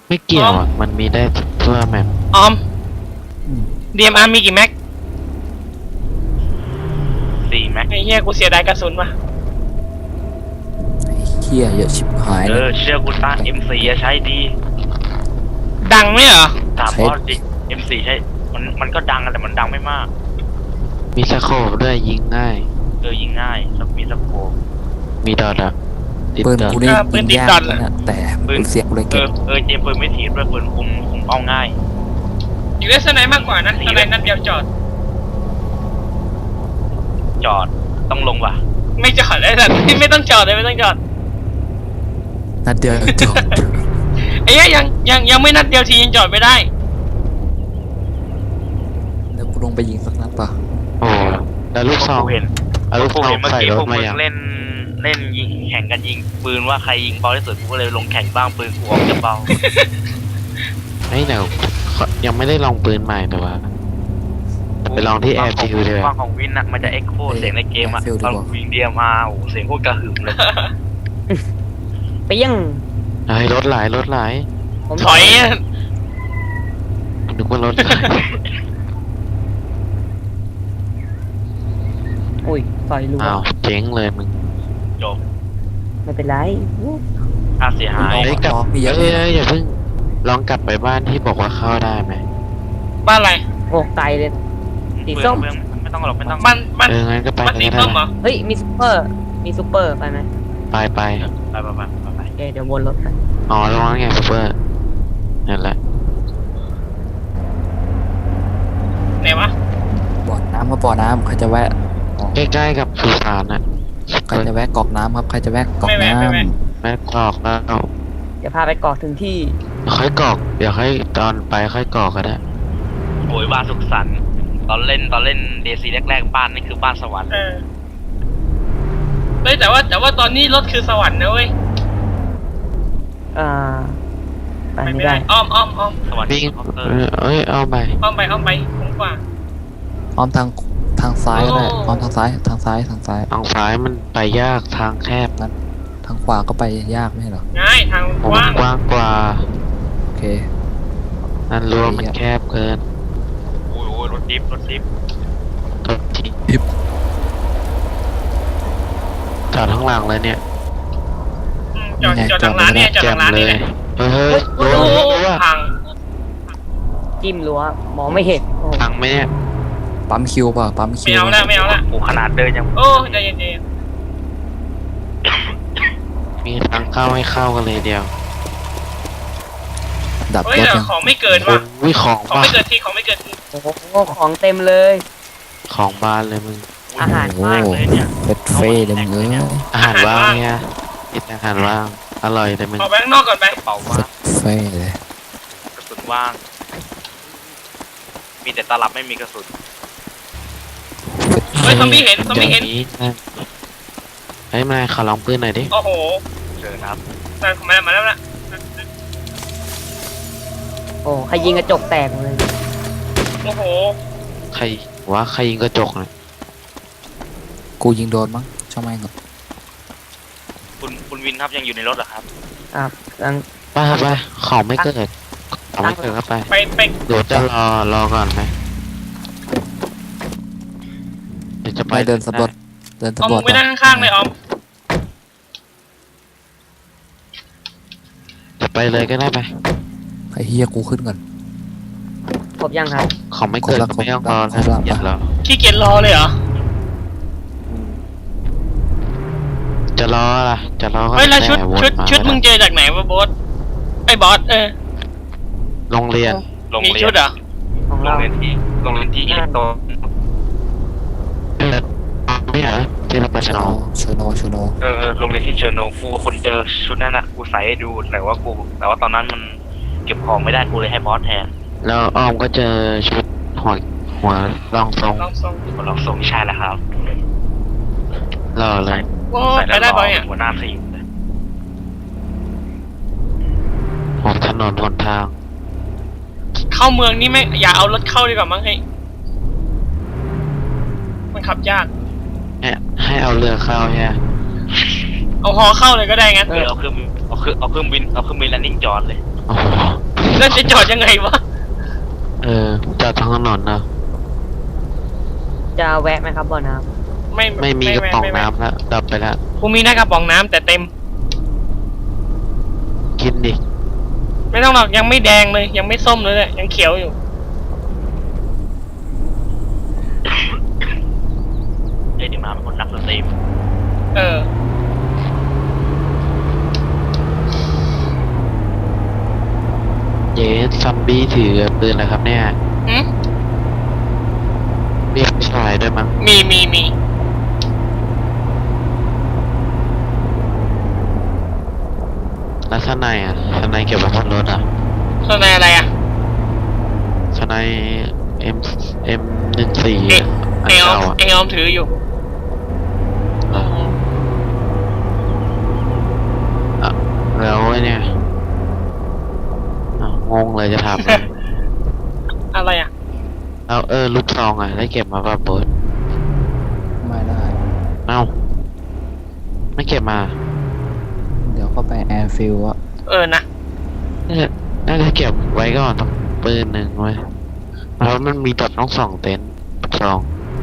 ไม่เกี่ยวอ่ะมันมีได้ทั่วแมปออม DMR มีกี่แม็ก 4 แม็กไอ้เหี้ยกูเสียดายกระสุนว่ะเฮียเยอะชิบหายเลยเชื่อกูต้าน M4 ใช้ดีดังไหมเหรอถามบอสดิ M4 ใช้มันก็ดังแต่มันดังไม่มากมีสโคปด้วยยิงง่ายยิงง่ายมีสโคปมีดอทอ่ะติดปืนดอทกูนี่ยิงยากนะแต่ปืนเสียงกูเลยเก็บเจมปืนไม่ถีบด้วยปืนคุมเอาง่ายอยู่ได้สไนมากกว่านะสไนนัดเดียวจอดจอดต้องลงว่ะไม่จอดเลยสัตว์ ไม่ต้องจอดเลยไม่ต้องจอดนัดเดียวจบไอ้เหี้ยยังไม่นัดเดียวทียังจอดไม่ได้เดี๋ยวกูลงไปยิงสักนัดป่ะโอ้แล้วลูกซองเห็นเอาลูกซองเมื่อใส่กี้รพถวกมามึงอย่างเล่นยิงแข่งกันยิงปืนว่าใครยิงเบาที่สุดกูก็เลยลงแข่งบ้างปืนกูออกจะเบาไอ้เดี๋ยวยังไม่ได้ลองปืนใหม่แต่ว่าไปลองที่แอร์ฟิวเดียวฟังของวินนะมันจะเอ็กโคเสียงในเกมอะตอนวิงเดียมาโอ้เสียงโคตรกระหึ่มเลยเปี้ยงเฮ้ยรถหลายรถหลายผมถอยอะนึกว่ารถหลายอุ้ยถอยรัวอ้าวเจ๊งเลยมึงจบไม่เป็นไรค่าเสียหายเฮ้ยกลับมีเยอะเอ้เลยยอย่าเพิ่งลองกลับไปบ้านที่บอกว่าเข้าได้ไหมบ้านอะไรโอ้ไกลเลย สีส้มไม่ต้องหรอกไม่ต้องบ้านงั้นก็ไปบ้านสีก็ได้ส้มเหรอเฮ้ยมีซุปเปอร์ไปไหมไปไปโอเคเดี๋ยววนรถไปอ๋อตรงนั้นไงซูเปอร์นั่นแหละไหนวะบ่อน้ำครับบ่อน้ำใครจะแวะใกล้ๆกับสุสานอ่ะใครจะแวะกอกน้ำครับใครจะแวะกอกไม่แวะน้ไม่แวะแม่กรอกแล้วเดี๋ยวพาไปเกาะถึงที่ค่อยกรอกเดี๋ยวค่อยตอนไปค่อยกรอกก็ได้โอยบ้านสุขสันต์ตอนเล่นเดซีแรกๆบ้านนี่คือบ้านสวรรค์เฮ้ยแต่ว่าตอนนี้รถคือสวรรค์นะเว้ยอ่าไปไม่ได้อ้อมสวรรค์วิ่งเคาน์เตอร์เอ้ยเอาไปอ้อมไปผมกว่าำอ้อมทางซ้ายก็ได้โอ้อ้อมทางซ้ายทางซ้ายทางซ้ายมันไปยากทางแคบนั้นทางขวาก็ไปยากไม่ใช่เหรอง่ายทางโอ้กว้างกว้างกว่าโอเคนั่นรั้วมันแคบเกินโอ้ยรถดิฟตัวที่จอดข้างหลังเลยเนี่ยจอดทางร้านเนี่ยจอดแจ่ทาม งร้านเลนี่แหยละเฮ้ยโอ้รั้วโหรั้วพังจิ้มรั้วมองไม่เห็นโอ้พังไหมเนี่ยปั๊มคิวป่ะปั๊มคิไม่วเอาละไม่เอาละโอ้ขนาดเดินยังโอ้ใจเย็นมีทางเข้าให้เข้ากันเลยเดียวดับๆเฮ้ยรถแต่ยังของไม่เกิดคว่ะนวิของของบ้าไม่เกิดทีของไม่เกิดทีโอ้โหของเต็มเลยของบ้านเลยมึงอาหารโอ้ว่างเลยเนี่ยเฟสเฟ่เลยมึงเอ้ยอาหารว่างเนี่ยกินอาหารว่างอร่อยเลยมึงออกไปข้างนอกก่อนไปกระเป๋าเฟว่างสเฟ่เลยกระสุนว่าง มีแต่ตลับไม่มีกระสุนเฮ้ยซอมบี้เห็นดี๋ยวนี้นะเฮ้ยมาขอลองปืนหน่อยดิโอ้โหเชิญครับมาแล้วนะโอ้ใครยิงกระจกแตกเลยโอ้โหใครว่าใครยิงกระจกเนี่ยกูยิงโดนมั้งช่างแม่งเหรอคุณวินครับยังอยู่ในรถเหรอครับครับลังไปของไม่เกิดของไม่เกิดก็ไปไปเดี๋ยวจะรอก่อนไหมเดี๋ยวจะไปไปเดินสำรวจเดินเอาสำรมึวจงไปนั่งข้างๆเลยออมจะไปเลยก็ได้ไปไอ้เฮียกูขึ้นก่อนครบยังครับของไม่เกิดครบละก็ไม่ต้องรอครนะบละอย่ารอขี้เกียจรอเลยเหรอจะรอล่ะจะรอก็เฮ้ยแล้วชุดแต่วนชุดามึงเจอจากไหนวะบอสไอ้บอสโรงเรียนมีโรงเรียชุนดเหรอของโรเรางเรียนที่อิเล็กโตรไม่เหรอที่เราไปฉลองโชโนโรงเรียนที่เชอร์โนกูคนเจอชุดนั้นนะกูใส่ให้ดูแต่ว่าตอนนั้นมันเก็บของไม่ได้กูเลยให้บอสแทนแล้วอ้อมก็เจอชุดหัวรองทรงลองทรงคนเราส่งใช่แล้วครับรอเลยโอ้ใส่ไปแล้วได้รบออยอ่ะหัวหน้าทีมเลยหัวถนนหนทางเข้าเมืองนี่ไม่อย่าเอารถเข้าดีกว่ามั้งให้มันขับยากเนี่ยให้เอาเรือเข้าเนี่ยเอาฮอเข้าเลยก็ได้งั้นเอาเครื่องบินแลนดิ้งจอดเลยโอ้โหแล้วจะจอดยังไงวะจอดทางถนนเนอะจะแวะไหมครับบ่อน้ไม่มีกระป๋องน้ำแล้วดับไปแล้วกูมีหน้ากระป๋องน้ำแต่เต็มกินดิไม่ต้องหรอกยังไม่แดงเลย ยังไม่ส้มเลยเนี่ยยังเขียวอยู่เล่นดีมาเป็นคนนักดนตรีเออเจ๊ซัมบี้ถือปืนอะไรครับเนี่ยหืมเรียกผู้ชายด้วยมั้งมีแล้วข้างในอ่ะข้างในเก็บไว้บนรถอ่ะส่วนในอะไรอ่ะข้างใน M14 เอ๊ะอันเออเก่าอ่ะเออมถืออยู่เอออ่ะแล้วไอ้เนี่ยอ้าวงงเลยจะถามเลยอะไรอ่ะแล้วลูกซองอ่ะได้เก็บมาป่ะโบ๊ทไม่ได้เอ้าไม่เก็บมาเดี๋ยวก็ไปแอร์ฟิลอะเออนะน่าจะเก็บไว้ก่อนต้องปืนหนึ่งไว้เพราะมันมีตัดต้อง2 เต็นท์ซอง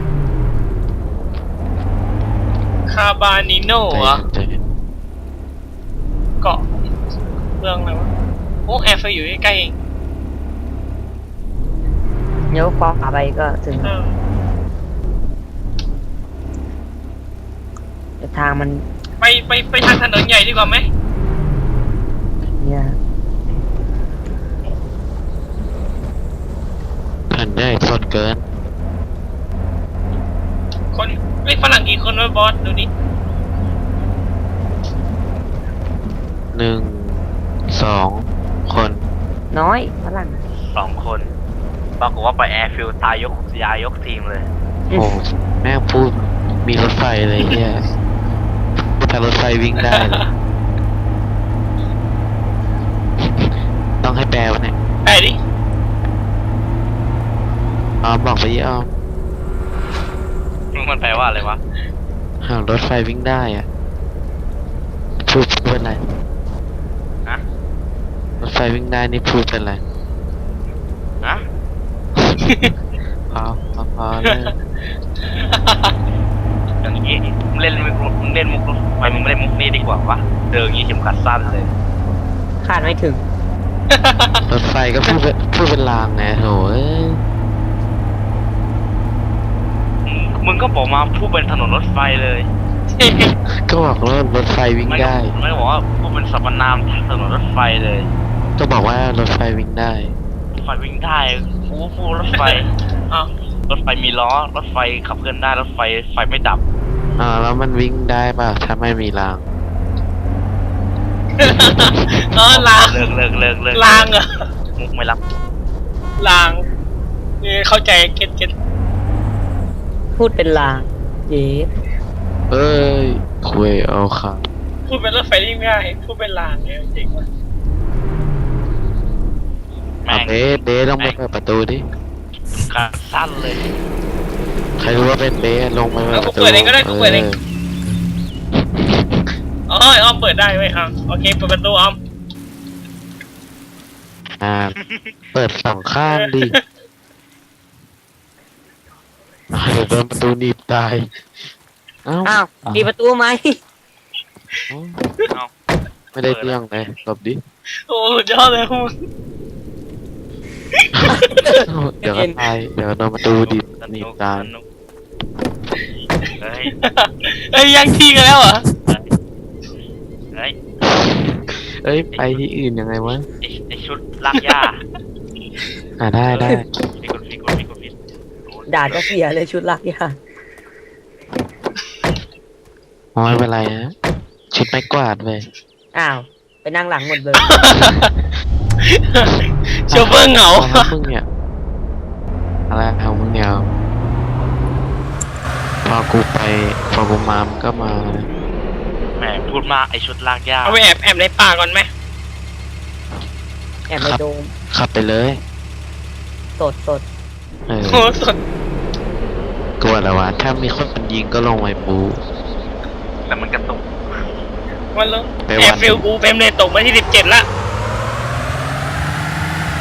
คาบานิโน่เหรอใจเย็นเกาะเรื่องอะไรวะ โอ้แอร์ไฟอยู่ใกล้ๆเองำเลี้ยวขวาไปก็ถึงเออแต่ทางมันไปทางถนนใหญ่ดีกว่าไหมเนี่ยแผ่นได้สดเกินคนฝรั่งกี่คนวะบอส ดูดิ 1 2 คนน้อยฝรั่ง 2 คนปรากฏว่าไปแอร์ฟิลตายยกทีมเลยโอ้แม่งพูดมีรถไฟเลยเฮียถ้ารถไฟวิ่งได้เลย ต้องให้แปลวะเนี่ยไปดิบอกไปยี่มันแปลว่าอะไรวะหากรถไฟวิ่งได้อ่ะพูดเป็นไรฮะรถไฟวิ่งได้นี่พูดเป็นไรฮะพอเลยอย่างนี้มึงเล่นมุกรถไฟมึงไม่เล่นมุกนี้ดีกว่าวะเดินอย่างนี้เข็มขัดสั้นเลยคาดไม่ถึงรถไฟก็พูดเป็นรางไงโถเอ้ยมึงก็บอกมาพูดเป็นถนนรถไฟเลยก็บอกว่ารถไฟวิ่งได้ไม่ได้บอกว่าพูดเป็นสรรพนามถนนรถไฟเลยก็บอกว่ารถไฟวิ่งได้รถไฟวิ่งได้กูพูดรถไฟอ้าวรถไฟมีล้อ รถไฟขับเคลื่อนได้ รถไฟไฟไม่ดับแล้วมันวิ่งได้ป่ะถ้าไม่มีรางลางเลิกลางเหรอมุกไม่รับลางนี่เข้าใจเก็ตพูดเป็นลางเย้เอ้ยคุยเอาค่ะพูดเป็นรถไฟได้ง่ายพูดเป็นลางเนี่ยจริงว่ะแม่งเบสลงไปเปิดประตูดิขาดสั้นเลยใครรู้ว่าเป็นเบสลงไปเปิดประตูกูเปิดเองก็ได้กูเปิดเองอ๋ออ้อมเปิดได้เว้ยอ่ะโอเคเปิดประตูอ้อมเปิด2 ข้างดิเดี๋ยวโดนประตูหนีบตายเอ้าอ้าวปิดประตูไหมเอาไม่ได้เรื่องเลยหลบดิโอ้สุดยอดเลยคุณเดี๋ยวก็ตายเดี๋ยวโดนประตูดิบหนีบตายเฮ้ยเอ้ยยังที่กันแล้วเหรอเฮ้ยเอ้ยไปที่อื่นยังไงวะไอชุดลากหญ้าได้มีคนผิดด่าก็เสียเลยชุดลักยาไม่เป็นไรฮะชุดไม้กวาดเลยอ้าว ไปนั่งหลังหมดเลยโชเฟอร์เหงาอะไรของมึงเนี่ยอะไรของมึงเนี่ยพอกูมามันก็มาแหมพูดมากไอชุดลากหญ้าเอาไปแอบในป่าก่อนไหมแอบในโดมขับไปเลยสดเออโอ้สุดกลัวแล้ววะถ้ามีคนยิงก็ลงไว้ปูแต่มันกระตุกวันลงไปแอวันร์ฟิลกูเฟรมเลยตกมาที่17ละ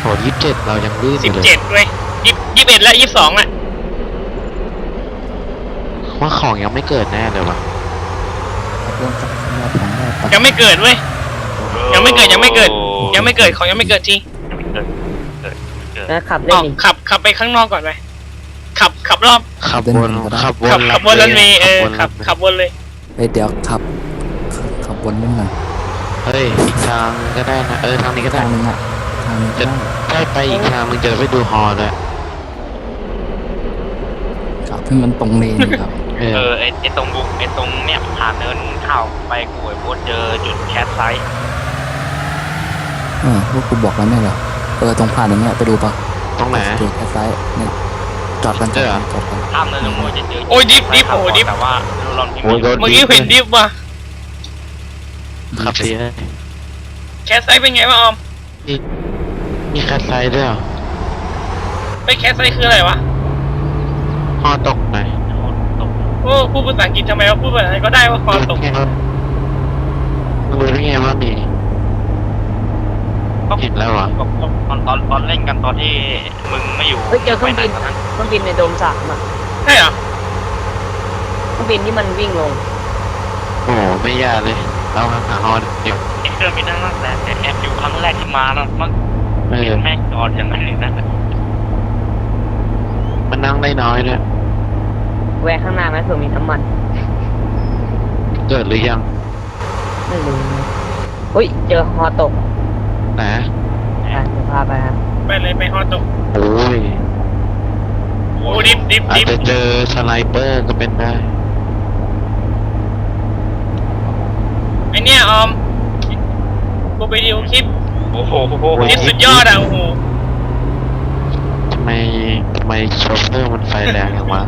27เรายังลื่นอยู่เลย 17เว้ย21และ22อ่ะว่าของยังไม่เกิดแน่เลยวะเริ่มจากรอบของรอบไปยังไม่เกิดเว้ย ยังไม่เกิดยังไม่เกิด ยังไม่เกิดของยังไม่เกิดจริงนะขับอเล่นอกดิขับไปข้างนอกก่อนไปขับรอบขับวนขับวนขับวนรันเวย์ขับวนขับวนเลยเฮ้ยเดี๋ยวขับวนเล่นหน่อยเฮ้ยอีกทางก็ได้นะทางนี้ก็ได้ทางนึงอ่ะทางนี้ก็ได้ได้ไปอีกทางมึงจะไปดูฮอลด้วยขับให้มันตรงเลนอยู่ครับไอ้ตรงบุกไอ้ตรงเนี่ยผ่านเนินเข้าไปกูไอ้โบสเจอจุดแคสไซต์พวกกูบอกแล้วเนี่ยเหรอตรงผ่านตรงเนี้ยไปดูปะตรงไหนจุดแค่ซ้ายเนี่ยจอดกันจอดกันจอดกันข้ามเนินลงมาจะเจอโอ้ยดิฟโอ้ดิฟแต่ว่าดูลอนพิมโอ้ยพ์โดนเมื่อกี้เห็นดิฟว่ะขับดีนะแคสไซด์เป็นไงวะออมมีคัดไซด์ด้วยเหรอไปแคสไซด์คืออะไรวะฮอตกไหนโอ้พูดภาษาอังกฤษทำไมวะพูดภาษาไทยก็ได้ว่าคอตกมึงรู้ได้ไงว่ามีเห็นแล้วเหรอตอนเล่นกันตอนที่มึงไม่อยู่เฮ้ยเจอเครื่องบินไปไหตอนนั้นเครื่องบินในโดม3อ่ะใช่เหรอเครื่องบินที่มันวิ่งลงโอ้โหไม่ยากเลยเราหาฮอเดี๋ยวไอ้เครื่องบินนั่นแหละแต่แอบอยู่ครั้งแรกที่มาแล้วมันเออแม่งจอดอย่างนั้นเลยนะมันนั่งได้น้อยด้วยแวะข้างหน้าไหมเผื่อมีน้ำมันเกิดหรือยังไม่รู้เฮ้ยเจอฮอตกไหนอ่ะเดี๋ยวพาไปครับไปเลยไปฮอตกโอ้ยโอ้ดิฟอาจจะเจอสไนเปอร์ก็เป็นได้ไอเนี้ยออมกูไปดูคลิปโอ้โหคลิปสุดยอดอ่ะโอ้โหทำไมโชเฟอร์มันไฟแรงอย่างวะ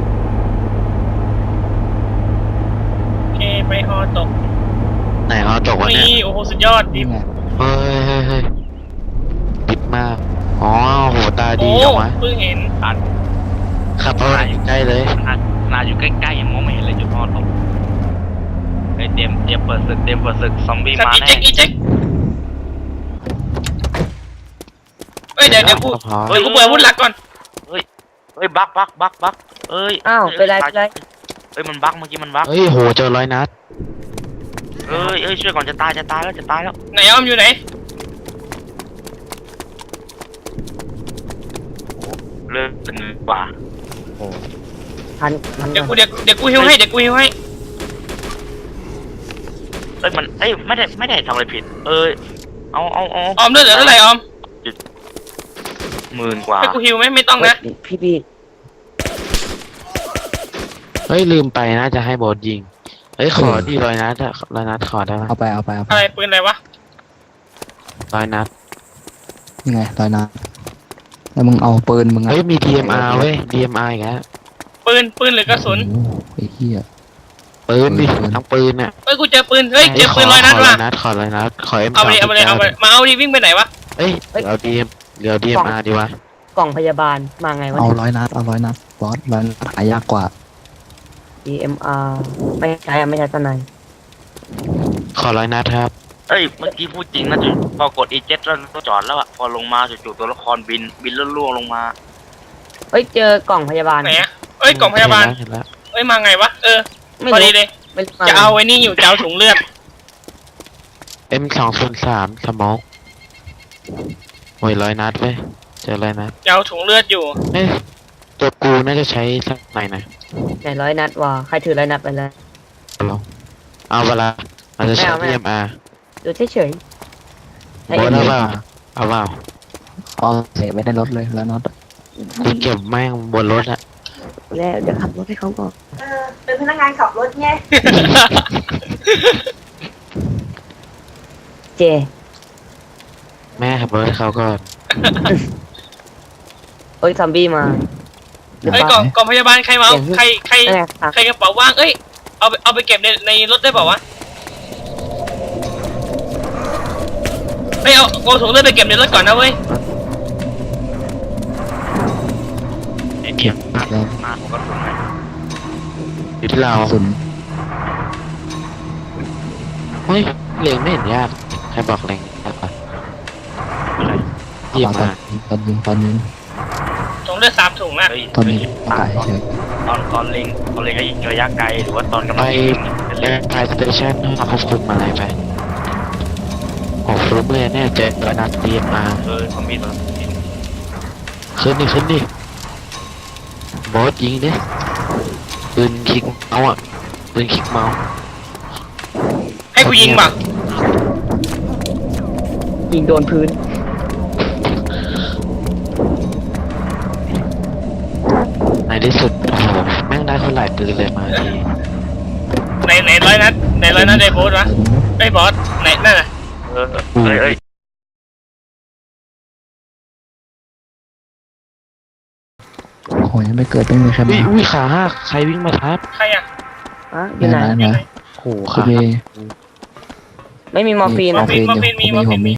โอเคไปฮอตกไหนฮอตกวะเนี่ยนี่โอ้โหสุดยอดดินี่ฟไงเฮ้ยดิบมาก อ๋อโหตาดีโอ้จังวะเพิ่งเห็นขับเข้าไปใกล้เลยนาอยู่ใกล้ๆยังมองไม่เห็นเลยจุดพอตกเฮ้ยเตรียมเปิดศึกซอมบี้สับมาอีแน่เจ็กเอ้ยเดี๋ยวกูพอเดี๋ยวกูเปิดอาวุธหลักก่อนเฮ้ยบักเอ้ยอ้าวเป็นไรเอ้ยมันบักเมื่อกี้มันบักเฮ้ยโหเจอ100 นัดเอ้ยช่วยก่อนจะตายแล้วไหนออมอยู่ไหนเลิกเป็นกว่าทันเดี๋ยวกูฮิวให้เฮ้ยเอ้ยมันไม่ได้ทำอะไรผิด เอาออมเลือดเหลือเท่าไหร่ออม 10,000 กว่าให้กูฮิวไหมไม่ต้องนะพี่เฮ้ยลืมไปนะจะให้โบสยิง เฮ้ยขอดี100 นัดอะ100 นัดขอได้ไหมเอาไปอะไรปืนอะไรวะ 100 นัดยังไงลอยน้ำแล้วมึงเอาปืนมึงอะเฮ้ยมี DMR เว้ย DMR อีกแล้วปืนหรือกระสุนโอ้โหไอ้เหี้ยปืนดิปืนทั้งปืนน่ะเอ้ยกูเจอปืนเฮ้ยเจอปืน100 นัดขอว่ะ 100 นัดขอ100 นัดขอ M เอาไปเลยมาเอาดิวิ่งไปไหนวะเอ้ยเอา DMR ดีวะกล่องพยาบาลมาไงวะเอาเนี่ย 100 นัดเอา100 นัดบอส100 นัดหายากกว่า DMR ไม่ใช่สไนขอ100 นัดครับเอ้ยเมื่อกี้พูดจริงนะจุดพอกด E7 แล้วก็จอดแล้วอะพอลงมาจู่ๆตัวละครบินล่วงลงมาเฮ้ยเจอกล่องพยาบาลไหนอะเอ้ยกล่องพยาบาลเห็นแล้วเอ้ยมาไงวะไม่พอดีรู้เลยไม่รู้จะเอาไอ้นี่อยู่จะเอาถุงเลือด M203 สโมกโอ้ย100 นัดเว้ยเจอ100 นัดจะเอาถุงเลือดอยู่เอ้ยตัวกูน่าจะใช้สักไหนนะไหน100 นัดวะใครถือ100 นัดไปเลยเอาเวลาเราจะใช้ไม่เอา DMR ดูเฉยๆโบสเอาเปล่าเอาเปล่าเอาเสียไม่ได้ลดเลย100 นัดอะกูเก็บแม่งบนรถอะแล้วเดี๋ยวขับรถให้เขาก่อนเป็นพนักงานขับรถไงเจแม่ขับรถให้เขาก่อนเอ้ยซอมบี้มาหรือเอ้ยเปกล่ล่าองพยาบาลใครมาเอาใครนั่นไงครับใครกระเป๋าว่างเอ้ยเอาไปเก็บในรถได้เปล่าวะเอ้ยเอาถุงเลือดไปเก็บในรถก่อนนะเว้ยเก็บแล้วมาผมก็ถูกไหมอยู่ที่เรากระสุนเฮ้ยเล็งไม่เห็นยากใครบอกเล็งยากปะเยี่ยมมากตอนนี้ถุงเลือด3 ถุงอ่ะเฮ้ยตอนนี้ประกาศเฉยตอนเล็งระยะไกลหรือว่าตอนกำลังยิงไปพายสเตชันมาควบคุมอะไรไปโอ้ฟลุ๊กเลยเนี่ยเจอระดับเรียนมาคอมมิตมาขึ้นดิบอสยิงดิปืนคลิกเมาส์อ่ะปืนคลิกเมาส์ให้กูยิงป่ะยิงโดนพื้นในที่สุดโอ้โหแม่งได้คนหลายปืนเลยมาทีไหนร้อยนัดไหนร้อยนัดไอ้โบสวะไอ้บอสไหนนั่นน่ะเอ้ยโอ้ยยังไม่เกิดไม่มีใครอุ้มายอุ้ยขาหักใครวิ่งมาทับใครอ่ะอ่ะอยู่ไหนนะโอ้โหคุขาณเบหักไม่มีมอร์ฟีนมอร์ฟีนอยู่ผมมี